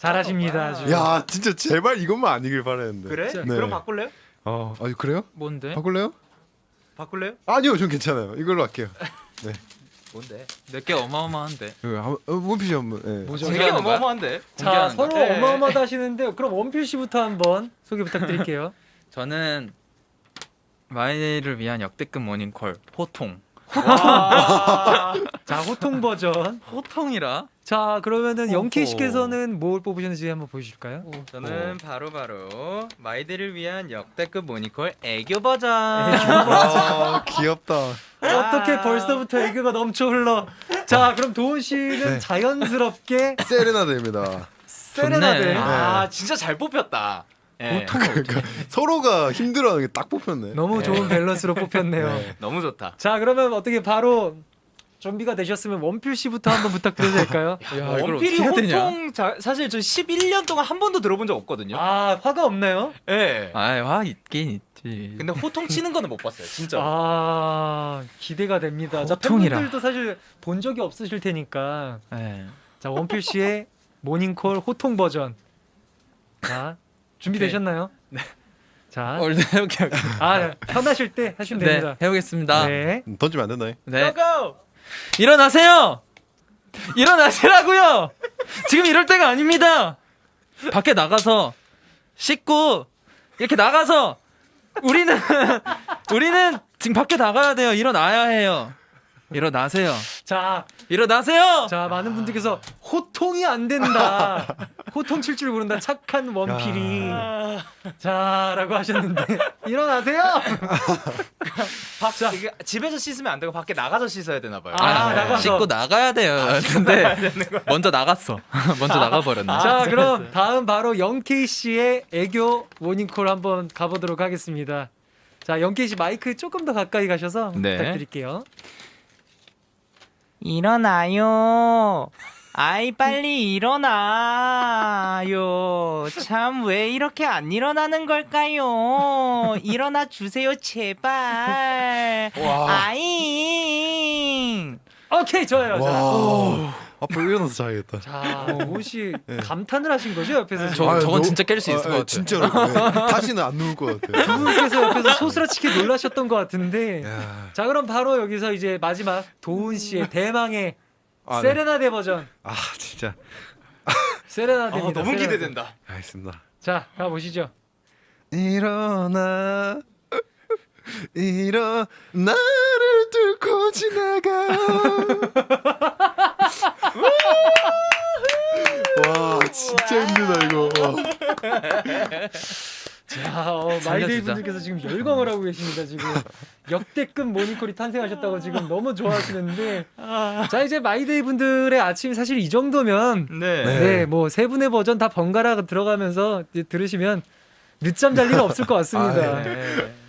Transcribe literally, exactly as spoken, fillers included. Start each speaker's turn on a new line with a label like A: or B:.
A: 잘하십니다. 아주.
B: 야 진짜 제발 이것만 아니길 바랬는데.
C: 그래?
A: 네.
C: 그럼 바꿀래요?
B: 어, 아 그래요?
D: 뭔데?
B: 바꿀래요?
C: 바꿀래요?
B: 아니요, 전 괜찮아요. 이걸로 할게요. 네.
C: 뭔데?
D: 내게 어마어마한데.
B: 그 한- 어, 원피스 한번. 네.
A: 뭐죠?
C: 되게
D: 공개하는 거야?
C: 어마어마한데?
A: 자,
D: 공개하는
A: 서로
C: 거야? 네.
A: 어마어마하다 하시는데 그럼 원필 씨부터 한번 소개 부탁드릴게요.
D: 저는 마이를 위한 역대급 모닝콜 호통.
C: 와.
A: 자, 호통 버전.
D: 호통이라?
A: 자, 그러면은
D: 호호.
A: 영케이 씨께서는 뭘 뽑으셨는지 한번 보여주실까요?
C: 저는 바로바로 마이들을 위한 역대급 모니콜 애교 버전.
B: 아 귀엽다.
A: 어떻게 벌써부터 애교가 넘쳐 흘러. 자, 그럼 도훈 씨는
B: 네.
A: 자연스럽게
B: 세레나데입니다.
A: 세레나데.
D: 좋네.
C: 아 진짜 잘 뽑혔다. 예.
B: 그러니까 서로가 힘들어하는 게 딱 뽑혔네.
A: 너무
C: 네.
A: 좋은 밸런스로 뽑혔네요.
B: 네.
C: 너무 좋다.
A: 자, 그러면 어떻게 바로 준비가 되셨으면 원필 씨부터 한번 부탁드려도 될까요?
D: 야, 이걸
C: 원필이
D: 어떻게 해야 되냐?
C: 호통 자, 사실 저 십일 년 동안 한 번도 들어본 적 없거든요.
A: 아, 화가 없나요?
C: 예.
D: 아이, 화 있긴 있지.
C: 근데 호통 치는 거는 못 봤어요. 진짜.
A: 아, 기대가 됩니다. 자,
D: 호통이라.
A: 팬분들도 사실 본 적이 없으실 테니까.
D: 네.
A: 자, 원필 씨의 모닝콜 호통 버전. 자, 준비되셨나요? 네. 자,
D: 얼른 해볼게요.
A: 아, 편하실 때 하시면
D: 네,
A: 됩니다.
D: 해보겠습니다.
A: 네.
B: 던지면 안 된다. 잉?
D: 네.
C: 고고!
D: 일어나세요! 일어나시라고요! 지금 이럴 때가 아닙니다! 밖에 나가서 씻고 이렇게 나가서 우리는 우리는 지금 밖에 나가야 돼요. 일어나야 해요. 일어나세요.
A: 자,
D: 일어나세요!
A: 자, 많은 분들께서 호통이 안 된다. 호통 칠 줄 모른다. 착한 원필이. 자라고 하셨는데 일어나세요.
C: 밖, 이게 집에서 씻으면 안 되고 밖에 나가서 씻어야 되나 봐요.
A: 아,
D: 아,
A: 나가서.
D: 씻고 나가야 돼요. 근데 먼저 나갔어. 먼저 나가버렸네.
A: 자, 그럼 다음 바로 영케이 씨의 애교 모닝콜 한번 가보도록 하겠습니다. 자, 영케이 씨 마이크 조금 더 가까이 가셔서
C: 네.
A: 부탁드릴게요.
C: 일어나요. 아이 빨리 일어나요. 참 왜 이렇게 안 일어나는 걸까요? 일어나 주세요 제발. 아잉.
A: 오케이, 좋아요. 자,
B: 와. 앞으로 일어나서 자야겠다.
A: 자, 도훈 씨 감탄을 하신 거죠 옆에서?
D: 저-
B: 아유,
D: 저건
B: 너-
D: 진짜 깰 수 있을 것 같아요.
B: 진짜로. 네. 다시는 안 누울 것 같아요.
A: 두 분께서 옆에서 소스라치게 놀라셨던 것 같은데.
B: 야.
A: 자, 그럼 바로 여기서 이제 마지막 도훈 씨의 대망의
B: 아, 네.
A: 세레나데 버전.
B: 아 진짜.
A: 세레나데입니다.
C: 아, 너무
A: 세레나데.
C: 기대된다.
B: 알겠습니다.
A: 자, 가보시죠.
B: 일어나 일어 나를 뚫고 지나가. 와 진짜 힘들다 이거. 와.
A: 자, 어, 마이데이
D: 살려주자.
A: 분들께서 지금 열광을 하고 계십니다. 지금 역대급 모닝콜이 탄생하셨다고 지금 너무 좋아하시는데, 자, 이제 마이데이 분들의 아침 사실 이 정도면
C: 네.
B: 네.
A: 네, 뭐 세 분의 버전 다 번갈아 들어가면서 이제 들으시면 늦잠 잘 일은 없을 것 같습니다.
B: 아,
C: 네.